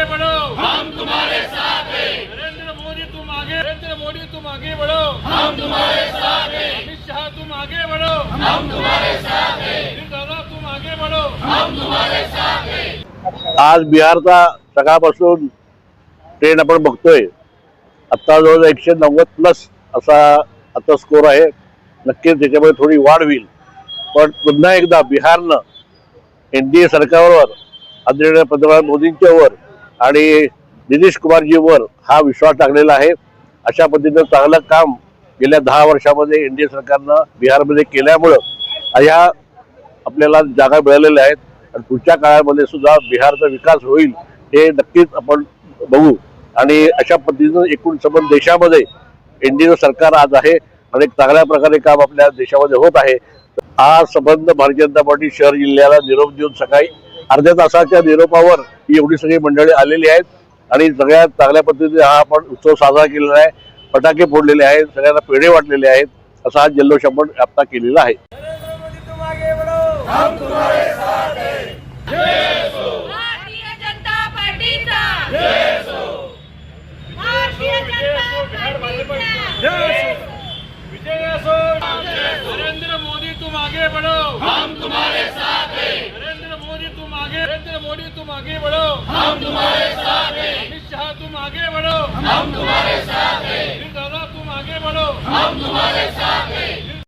आगे बढ़ो, हम तुम्हारे साथ हैं। नरेंद्र मोदी तुम आगे, नरेंद्र मोदी तुम आगे बढ़ो, हम तुम्हारे साथ हैं। अमित शाह तुम आगे बढ़ो, हम तुम्हारे साथ हैं। दादा तुम आगे बढ़ो, हम तुम्हारे साथ हैं। आज बिहारचा सकाळपासून ट्रेंड आपण बघतोय। आता जवळ 190 प्लस असा आता स्कोर आहे। नक्कीच त्याच्यामध्ये थोडी वाढ होईल, पण पुन्हा एकदा बिहारनं एनडीए सरकारवर, आदरणीय पंतप्रधान मोदींच्यावर आणि नितीश कुमारजीवर हा विश्वास टाकलेला आहे। अशा पद्धतीनं चांगलं काम गेल्या 10 वर्षामध्ये एनडीए सरकारनं बिहारमध्ये केल्यामुळं ह्या आपल्याला जागा मिळालेल्या आहेत आणि पुढच्या काळामध्ये सुद्धा बिहारचा विकास होईल हे नक्कीच आपण बघू। आणि अशा पद्धतीनं एकूण संबंध देशामध्ये एनडीए सरकार आज आहे आणि चांगल्या प्रकारे काम आपल्या देशामध्ये होत आहे। आज संबंध भारतीय जनता पार्टी शहर जिल्ह्याला निरोप देऊन सकाळी अर्ध्या तासाच्या निरोपावर ही एवढी सगळी मंडळी आलेली आहेत आणि सगळ्यात चांगल्या पद्धतीने हा आपण उत्सव साजरा केलेला आहे। फटाके फोडलेले आहेत, सगळ्यांना पेढे वाटलेले आहेत, असा हा जल्लोष आपण आता केलेला आहे। हम तुम्हारे साथ हैं। जय हो भारतीय जनता पार्टीचा, जय हो भारतीय जनता पार्टीचा, जय हो विजय असो। नरेंद्र मोदी तुम आगे बढ़ो, हम तुम्हारे साथ हैं। नरेंद्र मोदी तुम आगे, नरेंद्र मोदी तुम आगे बढ़ो, हम तुम्हारे साथ हैं। अमित शाह तुम आगे बढ़ो, हम तुम्हारे साथ हैं। दादा तुम आगे बढ़ो, हम तुम्हारे साथ हैं।